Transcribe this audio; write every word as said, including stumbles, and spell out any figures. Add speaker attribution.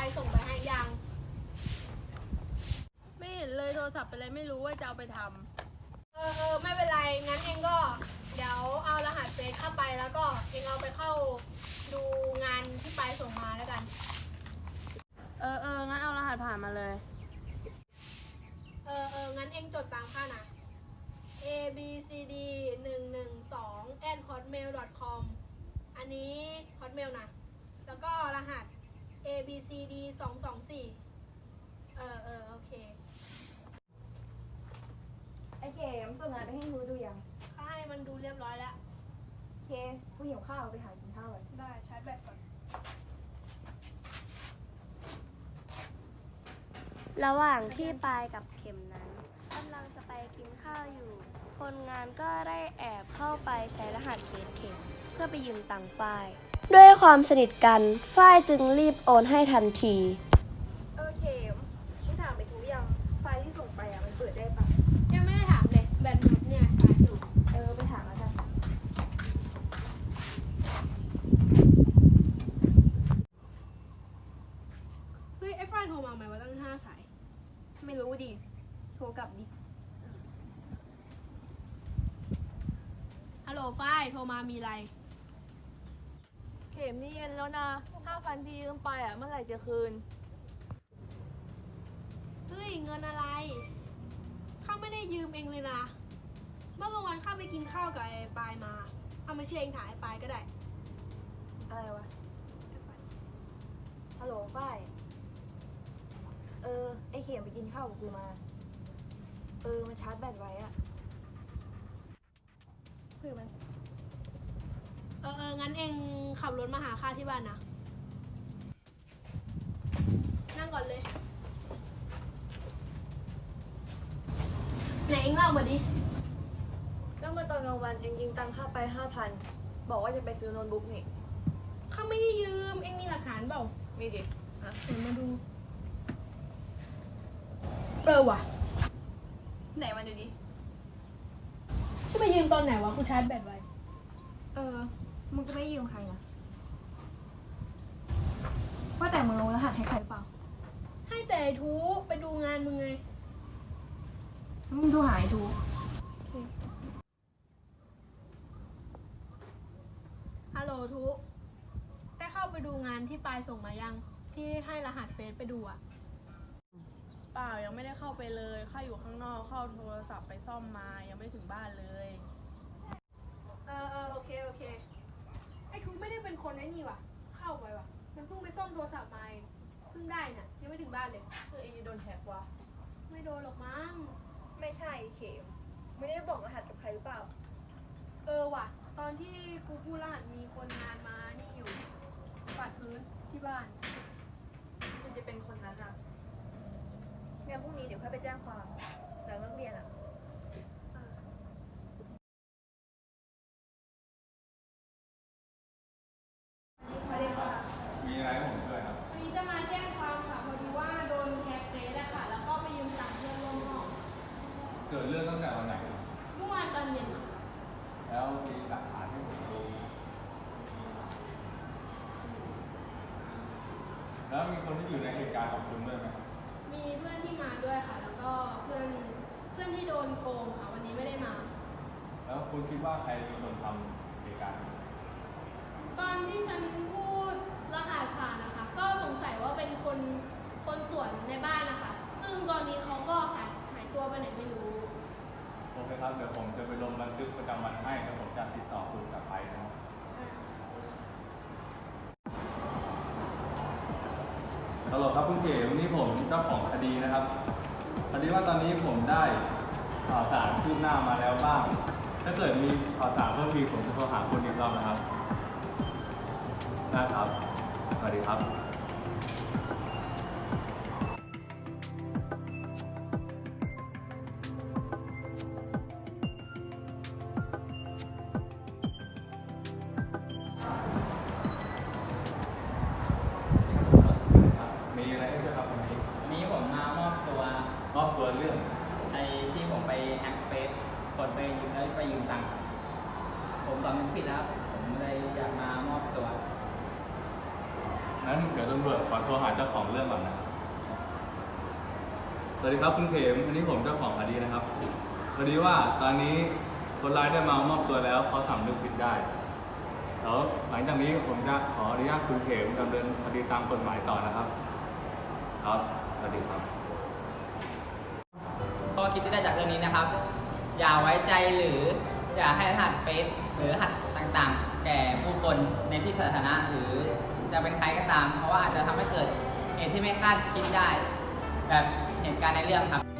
Speaker 1: ส่งไปให้ยังไม่เห็นเลยโทรศัพท์เป็นอะไรไม่รู้ว่าจะเอาไปทำเออเออไม่เป็นไรงั้นเองก็เดี๋ยวเอารหัสเฟซเข้าไปแล้วก็เองเอาไปเข้าดูงานที่ไปส่งมาแล้วกันเออเอองั้นเอารหัสผ่านมาเลยเออเอองั้นเองจดตามข้านะ a b c d หนึ่งหนึ่งสอง at hotmail dot com อันนี้ hotmail นะแล้วก็รหัส a b c d สองสองสี่เออเออโอเค
Speaker 2: ไอเข็มส่งงานไปให้ทูดูยัง
Speaker 1: ข้าให้มันดูเรียบร้อยแล้ว
Speaker 2: โอเคกูหิวข้าวไปหากินข้าวเลย
Speaker 1: ได้ชาร์จแบตก่อน
Speaker 3: ระหว่างที่ปายกับเข็มนั้นกำลังจะไปกินข้าวอยู่ คนงานก็ได้แอบเข้าไปใช้รหัสเฟซเข็มเพื่อไปยืมตังค์ฝ้าย ด้วยความสนิทกันฝ้ายจึงรีบโอนให้ทันที
Speaker 2: เออเข็มมึงถามไปทูยังไฟล์ที่ส่งไปอ่ะมันเปิดได้ปะ
Speaker 1: ยังไม่ได้ถามเลยแบตหมดเนี่ยชาร์จอยู่
Speaker 2: เออไปถามแล้วกัน
Speaker 1: เฮ้ยไอ้ฝ้ายโทรมาไหมว่าตั้งห้าสาย
Speaker 2: ไม่รู้ดิโทรกลับดิ
Speaker 1: ฮัลโหลฝ้ายโทรมามีอะไร
Speaker 4: เข็มนี่เย็นแล้วนะห้าพันที่ยืมไปอ่ะเมื่อไหร่จะคืน
Speaker 1: เฮ้ยเงินอะไรข้าไม่ได้ยืมเองเลยนะเมื่อกลางวันข้าไปกินข้าวกับไอ้ปายมาเอามาเชื่อเองถ่ายไอ้ปายก็ได้
Speaker 2: อะไรวะฮัลโหลฝ้ายเออไอเข็มไปกินข้าวกับกูมาเออมันชาร์จแบตไว้อะเพื่อมัน
Speaker 1: เออเอองั้นเองขับรถมาหาข้าที่บ้านนะนั่งก่อนเลยไหนเองเล่ามาดิ
Speaker 4: ก็เมื่อตอนกลางวันเองยืมตังค่าไปห้าพันบอกว่าจะไปซื้อโน้ตบุ๊กนี่
Speaker 1: ข้าไม่ได้ยืมเองมีหลักฐานเปล่า
Speaker 4: มีดิ
Speaker 1: ฮะเห็นมาดูเออว่ะ
Speaker 2: ไหนมาดูดิ
Speaker 1: กูไปยืมตอนไหนวะกูชาร์จแบตไว้
Speaker 2: เออมึงจะไม่ยืมใครนะว่าแต่มึงลงรหัสให้ใครเปล่า
Speaker 1: ให้แต่ทูไปดูงานมึงไง
Speaker 2: มึงดูหายทู
Speaker 1: ฮัลโหลทูได้เข้าไปดูงานที่ปายส่งมายังที่ให้รหัสเฟซไปดูอะ
Speaker 5: เปล่ายังไม่ได้เข้าไปเลยข้าอยู่ข้างนอกเข้าโทรศัพท์ไปซ่อมมายังไม่ถึงบ้านเลย
Speaker 1: เออเออโอเคโอเคไอ้ทูไม่ได้เป็นคนไอ้นี่ว่ะเข้าไปว่ะมันเพิ่งไปซ่อมโทรศัพท์มาเพิ่งได้น่ะยังไม่ถึงบ้านเลย
Speaker 4: คือเองโดนแฮกวะ
Speaker 1: ไม่โดนหรอกมั้ง
Speaker 2: ไม่ใช่เข็มไม่ได้บอกรหัสกับใครหรือเปล่า
Speaker 1: เออว่ะตอนที่กูพูดรหัสมีคนงานมานี่อยู่ปัดพื้นที่บ้าน
Speaker 4: มันจะเป็นคนนั้นอ่ะ
Speaker 2: งั้นพรุ่งนี้เดี๋ยวค่อยไปแจ้งความหลังเลิกเรียนอ่ะ
Speaker 1: สวัสดีค่ะ
Speaker 6: มีอะไรให้ผมช่วยครับ
Speaker 1: วันนี้จะมาแจ้งความค่ะพอดีว่าโดนแฮกเฟซอะค่ะแล้วก็ไปยืมตังค์เพื่อนร่วมห้อง
Speaker 6: เกิดเรื่องตั้งแต่วันไหน
Speaker 1: เมื่อวานตอนเย็นค่ะ
Speaker 6: แล้วมีหลักฐานให้ผมดูแล้วมีคนที่อยู่ในเหตุการณ์กับคุณด้วยไหม
Speaker 1: มีเพื่อนที่มาด้วยค่ะแล้วก็เพื่อนเพื่อนที่โดนโกงค่ะวันนี้ไม่ได้มา
Speaker 6: แล้วคุณคิดว่าใครเป็นคนทำเหตุการณ์
Speaker 1: ตอนที่ฉันพูดรหัสผ่านนะคะก็สงสัยว่าเป็นคนคนสวนในบ้านนะคะซึ่งตอนนี้เขาก็หายหายตัวไปไหนไม่รู้
Speaker 6: โอเคครับเดี๋ยวผมจะไปลงบันทึกประจำวันให้แล้วผมจะติดต่อคุณกลับไปนะครับฮัลโหลครับคุณเก๋วันนี้ผมเจ้าของคดีนะครับพอดีว่าตอนนี้ผมได้ข่าวสารคืบหน้ามาแล้วบ้างถ้าเกิดมีข่าวสารเพิ่มอีกผมจะโทรหาคุณอีกรอบนะครับนะครับสวัสดีครับมีอะไรให้ช่วยครับวันนี้
Speaker 7: วันนี้ผมมามอบตัว
Speaker 6: มอบตัวเรื่อง
Speaker 7: ไอ้ที่ผมไปแฮกเฟซคนไปยืมแล้วไปยืมตังค์ผมสำนึกผิดแล้วผมเลยอยากมามอบตัว
Speaker 6: นั้นเดี๋ยวดี๋ยวตำรวจขอโทรหาเจ้าของเรื่องก่อนนะครับสวัสดีครับคุณเขมอันนี้ผมเจ้าของคดีนะครับพอดีว่าตอนนี้คนร้ายได้มามอบตัวแล้วเขาสำนึกผิดได้แล้วหลังจากนี้ผมจะขออนุญาตคุณเขมดำเนินคดีตามกฎหมายต่อนะครับครับสวัสดีครับ
Speaker 7: ข้อคิดที่ได้จากเรื่องนี้นะครับ อย่าไว้ใจหรืออย่าให้รหัสเฟซหรือรหัสต่างๆ แก่ผู้คนในที่สาธารณะหรือจะเป็นใครก็ตาม เพราะว่าอาจจะทำให้เกิดเหตุที่ไม่คาดคิดได้ แบบเหตุการณ์ในเรื่องครับ